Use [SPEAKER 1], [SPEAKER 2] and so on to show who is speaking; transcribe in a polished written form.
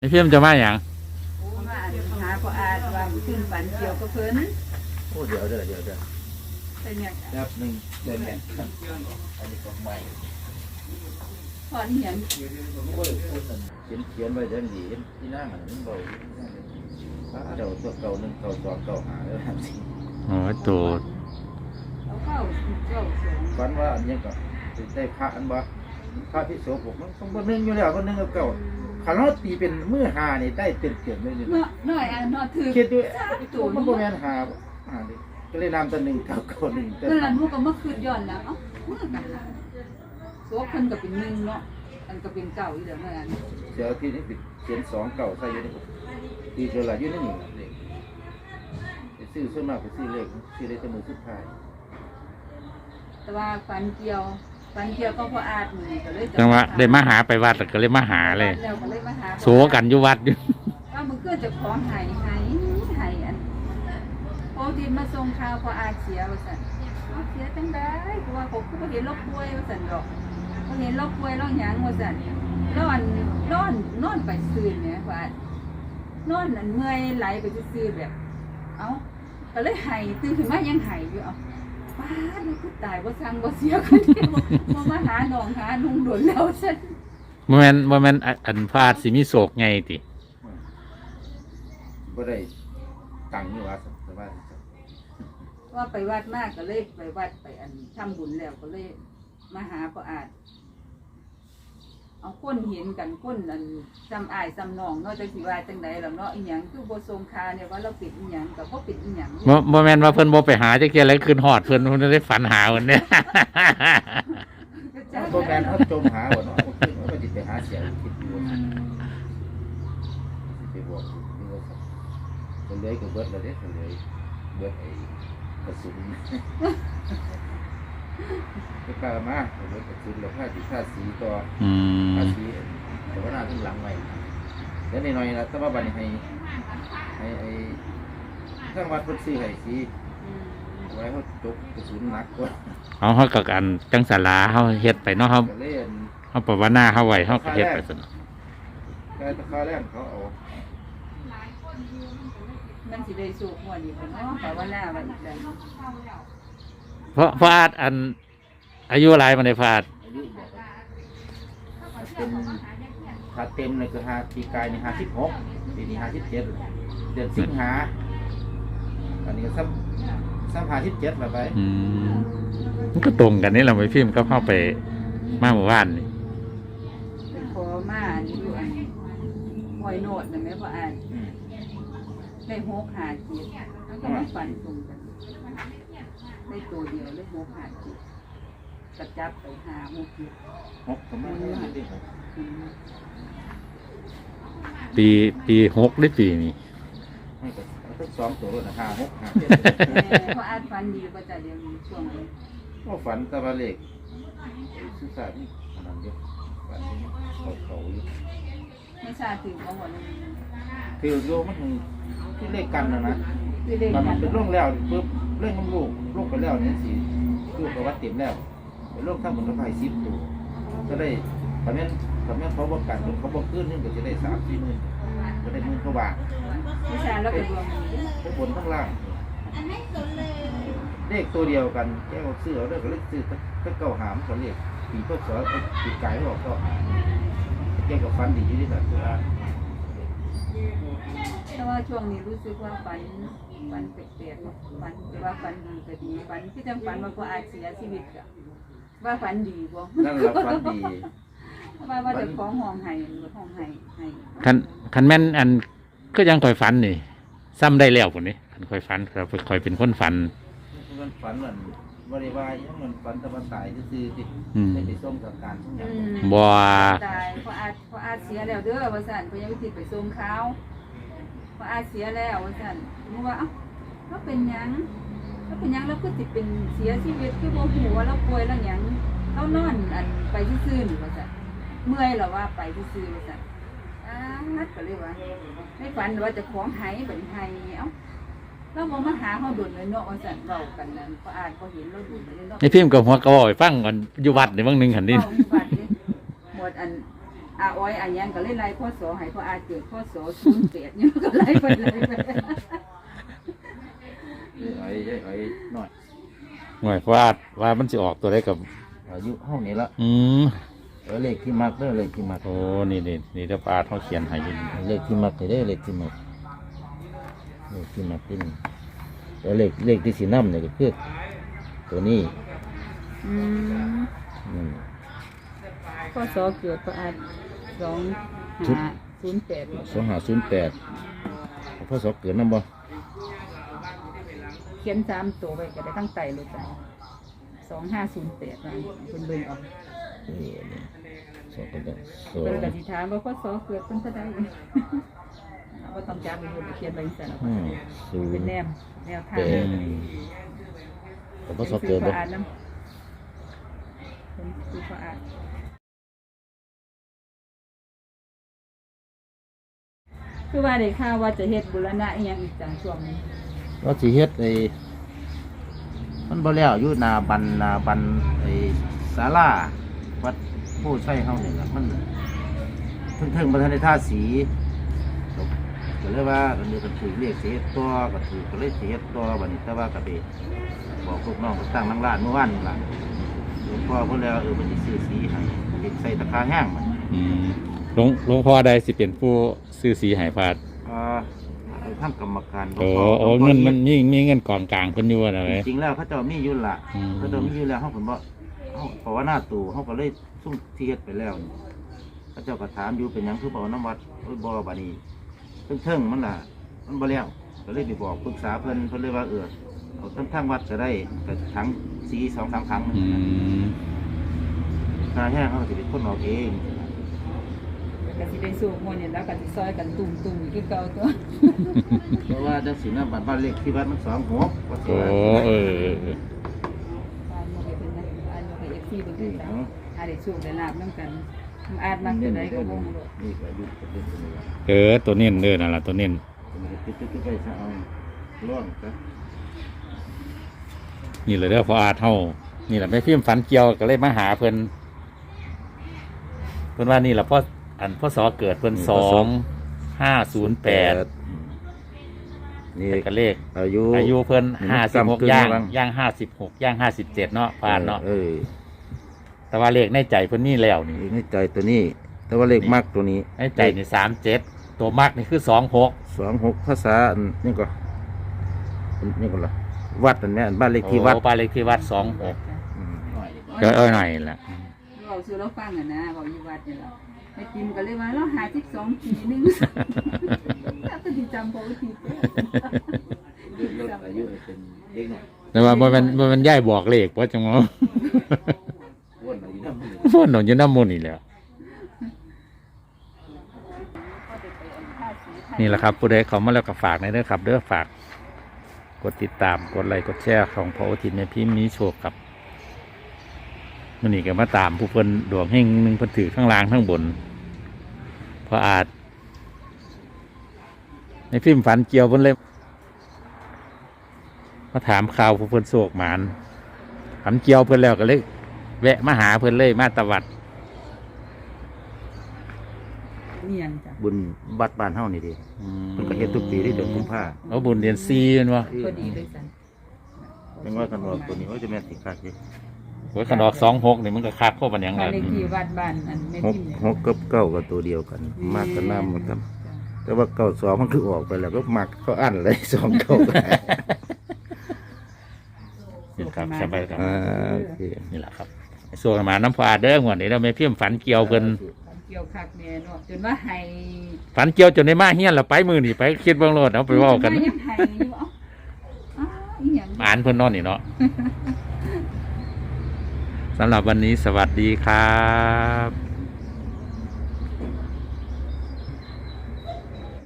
[SPEAKER 1] พี่มจะมาอย่าง
[SPEAKER 2] โอ้มาหาพออาจว่าขึ้นฝันเกี่ยวกับเพิ่น
[SPEAKER 3] โอ้เดี๋ยว
[SPEAKER 2] เป็นหยัง
[SPEAKER 3] แป๊บนึงเดินเนี่ยอันนี้ของใหม่
[SPEAKER 2] พอเห็น
[SPEAKER 3] โอ้ยพูดเขียนไว้เดินดีที่นั่งมันเบาเดี๋ยวตัวเก่า1เก่า2เก่า5แล้วสิ
[SPEAKER 1] โอ้ยตัว
[SPEAKER 2] เอาเข้าสอง
[SPEAKER 3] ฝันว่าอันนี้ก็ได้พระอันบ่พระที่โสภกมันต้องบ่นึงอยู่แล้วบ่นึงกับเก่าขันเราตีเป็นมือ5นี่ได้เต็มๆเลยนี่
[SPEAKER 2] เนาะน้อยอันเนาะถือ
[SPEAKER 3] คิดดู
[SPEAKER 2] ตัว
[SPEAKER 3] มันบ่แม่น5ดิก็เลยนำตัว1เก่า1
[SPEAKER 2] เพิ่นละนูก็มาคืนย้อนแล้วเอ้ามือกันหาโซกเพิ่นก็เป็น1เนาะอันก็เป็นเก่าอีเด้อแม่อัน
[SPEAKER 3] เดี๋ยวที่นี่เขียน2เก่าใส่อยู่นี่ตีเจอละอยู่ในนี่เลขไปซื้อส่วนมากไปซื้อเลขแต่มือสุดท้าย
[SPEAKER 2] แต่ว่าฝันเกี่ยวก็พออาจนี่ก็เลย
[SPEAKER 1] จังหวะได้มาหาไปวัดแล้วก็เลยมาหาเลย
[SPEAKER 2] แล้วก็เลยมาหา
[SPEAKER 1] โสกันอยู่วัดอยู่
[SPEAKER 2] ว่ามึงเกิดจะของหายอันพอที่มาส่งข่าวพออาเสียว่าสั่นเสียจังได้เพราะว่าผมก็เห็นโรคป่วยว่าสั่นดอกเขาเห็นโรคป่วยร้องหยังว่าสั่นนอนไปซื่นเนี่ยว่านอนนั่นเมื่อยไหลไปซื่อแบบเอ้าก็เลยหายตื่นขึ้นมายังหายอยู่เอ้าป้าดูคือตายว่าสั่งว่าเสียคนเดียวมาหาหนองหานุ่งโดนแล้วสั่น
[SPEAKER 1] บ่แม่นอันพาดสิมีโศกไงติ
[SPEAKER 3] บ่ได้ตังค์นี่ว่าสบาย
[SPEAKER 2] ว่าไปวัดมากก็เลยไปวัดไปอันทำบุญแล้วก็เลยมาหาพออาจเอาก้นเห็นกันก้นอันจำอายจำนองเนาะจังสิว่าจังไดล่ะเนาะอีหยังคือบ่ทรงคาเนี่ยว่าเราปิดอีหยังก็บ่ปิดอีหยัง
[SPEAKER 1] บ่แม่นว่าเพิ่นบ่ไปหาจักเที่ยแล้วคืนฮอดเพิ่นได้ฝันหาเพิ่นเนี่ย
[SPEAKER 3] โปรแกรมเขาจมหาว่าเนาะเขาก็สิไปหาเสียคิดอยู่ไปบอกนี่ว่าก็เลยก็เบิดแล้วเด้ก็เลยเบิดไอ้กระสุนก็กล้ามาเบิดกระสุนแล้วค่าสีต่อค่าสีแต่ว่าหน้าถึงหลังไว้แล้วนิดหน่อยนะแต่ว่าบัดนี้ให้ไอ้ทางวัดเพิ่นซื้อให้สีไว้เขาจกกระสุนหนักกว่า
[SPEAKER 1] เฮาก็กันจังศาลาเฮาเฮ็ดไปเนาะเฮาภาวนาเฮาไว้เฮาก็เฮ็ดไปซั่น
[SPEAKER 3] แต่ตะคาแรกเขาเอา
[SPEAKER 2] มันสิได้สุขหัวดีเพิ่นเนาะแต่ว่าหน้าว่าอีกแล้ว
[SPEAKER 1] เพราะอาจอันอายุหลายมันได้พาด
[SPEAKER 3] อายุบอกว่าเป็นถ้าเต็มเลยคือปีกายนี่56ปีนี้57เดือนสิงหาอันนี้ซ้ำ57แล้วไป
[SPEAKER 1] มันก็ตรงกันนี่เราไปพิมพ์ก็เข้าไปมาหมู่บ้านนี่
[SPEAKER 2] ไปขอมาอันนี้อยู่อันหอยโนดนั่นแม่พออาจได้6 5 7แล้วก็มาฝันตรงกันได้ตัวเดียวเลย6 5 7กระจับไป5 6 7
[SPEAKER 3] 6ประมาณนี้ดิ
[SPEAKER 1] ปี6หรือปีนี้
[SPEAKER 3] ไม่ก็ทั้ง2ตัวเลยนะ5 6 5
[SPEAKER 2] เพราะอาจฝันดีประจเดียวมีช่วงนี้
[SPEAKER 3] 7ก็ฝันตะวันเล็กสุสานนี่อันนั้นเยอะฝันเขาอยู่
[SPEAKER 2] ไม่ทราบถึงของวันนี้
[SPEAKER 3] คือโยมันที่เลขกันนะ
[SPEAKER 2] คือเด็ก
[SPEAKER 3] มัน
[SPEAKER 2] กัน
[SPEAKER 3] เป็นร่องแล้วปุ๊บเรื่องของลูกไปแล้วเนี่ยสิลูกกับวัดเต็มแล้วเป็นโรคทั้งหมดทั้งหลาย10ตัวก็ได้ตอนนี้เขาบอกกันเขาบอกขึ้นนึงก็จะได้3-4หมื่นก็ได้10,000 กว่าบาท
[SPEAKER 2] ไม่ทราบแล้วเป็นรวม
[SPEAKER 3] ทั้งบนทั้งล่างเลขตัวเดียวกันแก้วซื้อเอาเด้อก็เลขซื้อก็เก่าหามก็เลขปีพศปีกายบอกก็แก้กับฟันดีอยู่ที่สัตว์ตัว
[SPEAKER 2] แต่ว่าช่วงนี้รู้สึกว่าฝันแปลกๆฝันแต่ว่าฝันดีก็ดีฝันที่จังฝันว่าพออาจเสียชีวิตอะว่าฝันดีบ่
[SPEAKER 3] นั่นแหละฟันดี
[SPEAKER 2] ว่าจะของห้องไห้ห้องไห้
[SPEAKER 1] คันแม่นอันก็ยังคอยฝันนี่ซ้ำได้แล้วพุ่นนี่คันคอยฝันครับคอยเป็นคนฝัน
[SPEAKER 3] มันฝันเหมือนบริวารมันฝันตะวันตายซื่อๆสิได้ไปส่งกับการทุกอย่าง
[SPEAKER 1] บ่
[SPEAKER 2] ตายพออาจเสียแล้วเด้อว่าซั่นเพิ่นยังติดไปส่งข่าวพออาจเสียแล้วว่าซั่นมึงว่าเอ้าเราเป็นหยังเราคือสิเป็นเสียชีวิตคือบ่ฮู้ว่าเราป่วยแล้วหยังเรานอนอันไปซื่อๆนี่ว่าซั่นเมื่อยแล้วว่าไปซื่อๆว่าซั่นนัดก็เลยว่าในฝันว่าจะของหายบัดหายเอ้าเราบ่มาหาเฮาดุนเลยเนาะว่าซั่นเว้ากันนั่นพออาจบ่เห็นเราดุนเลยเนาะ
[SPEAKER 1] ไอ้พิมพ์กับหัวก็บอกให้ฟังก่อนอยู่วัดนี่บางนึงหั่นนี่
[SPEAKER 2] หมดอันอาอ้อยอายังก็เลยไล่พ่อสอให้พ่ออาเกิดพ่อสอ08เนี่ยก็ไล่ไป
[SPEAKER 3] ไอ้หน่อย
[SPEAKER 1] หน่วยว่ามันสิออกตัวได้กับ
[SPEAKER 3] อายุเฮานี่ละ เลขที่มักเด้อเลขที่มัก
[SPEAKER 1] โอ้นี่เดี๋ยวปาดเขาเขียนให้อยิน
[SPEAKER 3] เลขที่มักเด้อเลขที่มักที่นี่แล้วเลขที่สีน้ำเนี่ยก็คือตัวนี้
[SPEAKER 2] อืม
[SPEAKER 3] อืม
[SPEAKER 2] พ่อสอเกิดพ่ออา2508
[SPEAKER 3] 2508พ่อสอบเกิดน้ำบ่
[SPEAKER 2] เขียน3ตัวไว้ก็ได้ตั้งใจเลยจ้ะ2508ว่าเพิ่นเบิ่งออก
[SPEAKER 3] นี่สอบกันได้สอ
[SPEAKER 2] เพิ่นก็
[SPEAKER 3] ง
[SPEAKER 2] สิถามว่าพ่อสอเกิดเพิ่นเท่าใดบ่ต้องจำเป็นเขียนไว้ซั่น
[SPEAKER 3] ศู
[SPEAKER 2] เป็น
[SPEAKER 3] นย์
[SPEAKER 2] แนวทาง
[SPEAKER 3] แต่พ่อสอบเกิดบ่
[SPEAKER 2] อ่านน้ำเป็นคือเขาอ่านคือว่าได้ข่าวว่าจะเฮ็ดบุรณะอีหยังอีกจังช่วงนี้
[SPEAKER 3] เราสิเฮ็ดมันบ่แล้วอยู่หน้าบันศาลาวัดผู้ใช้เฮานี่ล่ะมันถึงบ่ทันได้ทาสีก็เลยว่ากันนี้กันถือเรียกสิเฮ็ดตัวก็ถือก็เลยสิเฮ็ดตัวบัดนี้แต่ว่าก็ไปบอกลูกน้องก็ตั้งนั่งร้านเมื่อวานนี่ล่ะหลวงพ่อเพิ่นแล้วมันสิซื้อสีให้เฮ็ดใส่ตะคาแห้งมัน
[SPEAKER 1] หลวงพ่อใดสิเป็นผู้ซื้อสีใหายพาด
[SPEAKER 3] ทำกรรมการ
[SPEAKER 1] โอ้เงินมันมีเงินกองกลางเพิ่นอยู่นะเว้ย
[SPEAKER 3] จริงๆแล้วเขาเจ้ามีอยู่ล่ะ
[SPEAKER 1] อืม
[SPEAKER 3] เขาเจ้ามีอยู่แล้วเฮาเพิ่นบ่เฮาเพราะว่าหน้าตู่เฮาก็เลยซุ่มที่เฮ็ดไปแล้วนี่เขาเจ้าก็ถามอยู่เป็นหยังคือบ่เอาน้ำวัดโอ้ยบ่บัดนี้เทิงๆมันล่ะมันบ่แล้วก็เลยไปบอกปรึกษาเพิ่นเลยว่าเอาทางวัดก็ได้ก็ถังสี 2-3 ถัง
[SPEAKER 1] อืม
[SPEAKER 3] ค่าแห้งเฮาก็สิเป็นคนออกเอง
[SPEAKER 2] ก็สิได้สู้มวลเนี่ยแล้วก็สิซอยกันตุ่มๆคือเก่าตัว
[SPEAKER 3] เพราะว่าจังสีน้ำบ้านเลขที่วัดมัน26ว่าสิ
[SPEAKER 1] โอ้
[SPEAKER 3] ว่า
[SPEAKER 1] เออ
[SPEAKER 2] อ่านบ่ให้เพิ่นนะอ่านบ่ให้ FC เบิ่งคือกันอ่านได้โชคได้ลาบนำกันอ่านมักจังไดก็บ่รู้
[SPEAKER 3] นี่ก็อายุก็เป็นตัวนี้ล่ะ
[SPEAKER 1] ตัวเน้นนั่นล่ะตัวเน้น
[SPEAKER 3] มันก็ติดๆไปซะเอาร่องซะ
[SPEAKER 1] นี่เลยเด้อพออาเท่านี่แหละแม่พิมพ์ฝันเกี่ยวก็เลยมาหาเพิ่นว่านี่แหละพ่อสอเกิดเพิ่น2508
[SPEAKER 3] นี่
[SPEAKER 1] แต่ก็เลข
[SPEAKER 3] อายุ
[SPEAKER 1] เพิ่น
[SPEAKER 3] นี่มันซ้ำ
[SPEAKER 1] 56
[SPEAKER 3] กึ่ง
[SPEAKER 1] ย่าง
[SPEAKER 3] บ้าง
[SPEAKER 1] 56ย่าง57เนาะผ่านเนาะ แต่ว่าเลขในใจเพิ่นนี่แล้วนี่
[SPEAKER 3] เลขในใจตัวนี้ แต่ว่าเลขมากตัวนี้
[SPEAKER 1] ในใจนี่37ตัวมักนี่คือ26
[SPEAKER 3] 26ภาษาอันนี่ก็ล่ะวัดอันเนี้ยบ้านเลขที่วัด
[SPEAKER 1] โอ้บ้านเลขที่วัด26
[SPEAKER 3] อืม
[SPEAKER 1] ก็หน่อยล่ะ
[SPEAKER 2] เว้าสู่เราฟังอ่ะนะเว้าอยู่วัดนี่ล่ะแม่ติมก็เลยว่าเรา52ปีนึงถ้าจะสิจำบ่ผิดเด้อ
[SPEAKER 3] อายุเป็นเด็กหน่อย
[SPEAKER 1] แต่ว่าบ่แมันย่ายบอกเลขว่าจังว่า
[SPEAKER 3] วนอายุน้ำมัน
[SPEAKER 1] พ่นหนอยู่น้ำมูลนี่แหละนี่แหละครับผู้ใดเขามาแล้วก็ฝากในเด้อครับเด้อฝากกดติดตามกดไลค์กดแชร์ของพระโอทินในพิมพ์นี้โชคครับมันนี่ก็มาตามผู้เพิ่นดวงเฮงหนึงเพิ่นถือข้างล่างข้างบนเพราะอาจในพิมพ์ฝันเกี่ยวเพิ่นเลยมาถามข่าวผู้เพิ่นโศกหมานฝันเกี่ยวเพิ่นแล้วก็เลยแวะมาหาเพิ่นเลยมาตะวัด
[SPEAKER 2] เนียนจ้ะ
[SPEAKER 3] บุญวัดบ้านเฮานี่ดิเพิ่นก็เฮ็ดทุกปีที่เดือนกุมภา
[SPEAKER 1] เอาบุญเดือน4แม่นบ่
[SPEAKER 2] พอดีเลยสัน
[SPEAKER 3] จังว่ากันว่าตัวนี้ว่าจะแม่นสิคักอยู่
[SPEAKER 1] โอ้ยคันออก26นี่มันก็คักเข้าบันหยัง
[SPEAKER 2] บ้า
[SPEAKER 1] ล่ะ
[SPEAKER 2] นเลขที่วัดบ้านอันแม่
[SPEAKER 3] หก
[SPEAKER 2] พิมพ์เนี่ย
[SPEAKER 3] หกกับเก้าก็ตัวเดียวกัน มากกันน้ำมันครับ แต่ว่าเก้าสองมันคือออกไปแล้วก็มักเขาอั้นเลยสองเก้า
[SPEAKER 1] นี่ครับสบายครับ
[SPEAKER 3] โอเค
[SPEAKER 1] นี่แหละครับส่วนมาน้ำพาเด้อหัวนี่เราไม่เพี้ยมฝันเกี่ยวเพิ่น
[SPEAKER 2] ฝันเกี่ยวคักแม่เนาะจนว่าให้
[SPEAKER 1] ฝันเกี่ยวจนได้มาเฮียนเราไปมือนี่ไปคิดเบิ่งโลดเอาไปเว้ากัน
[SPEAKER 2] ยังให้อยู่เอ้าอ้าวอีหยัง
[SPEAKER 1] อ่านเพิ่นนอนนี่เนาะสำหรับวันนี้สวัสดีครับ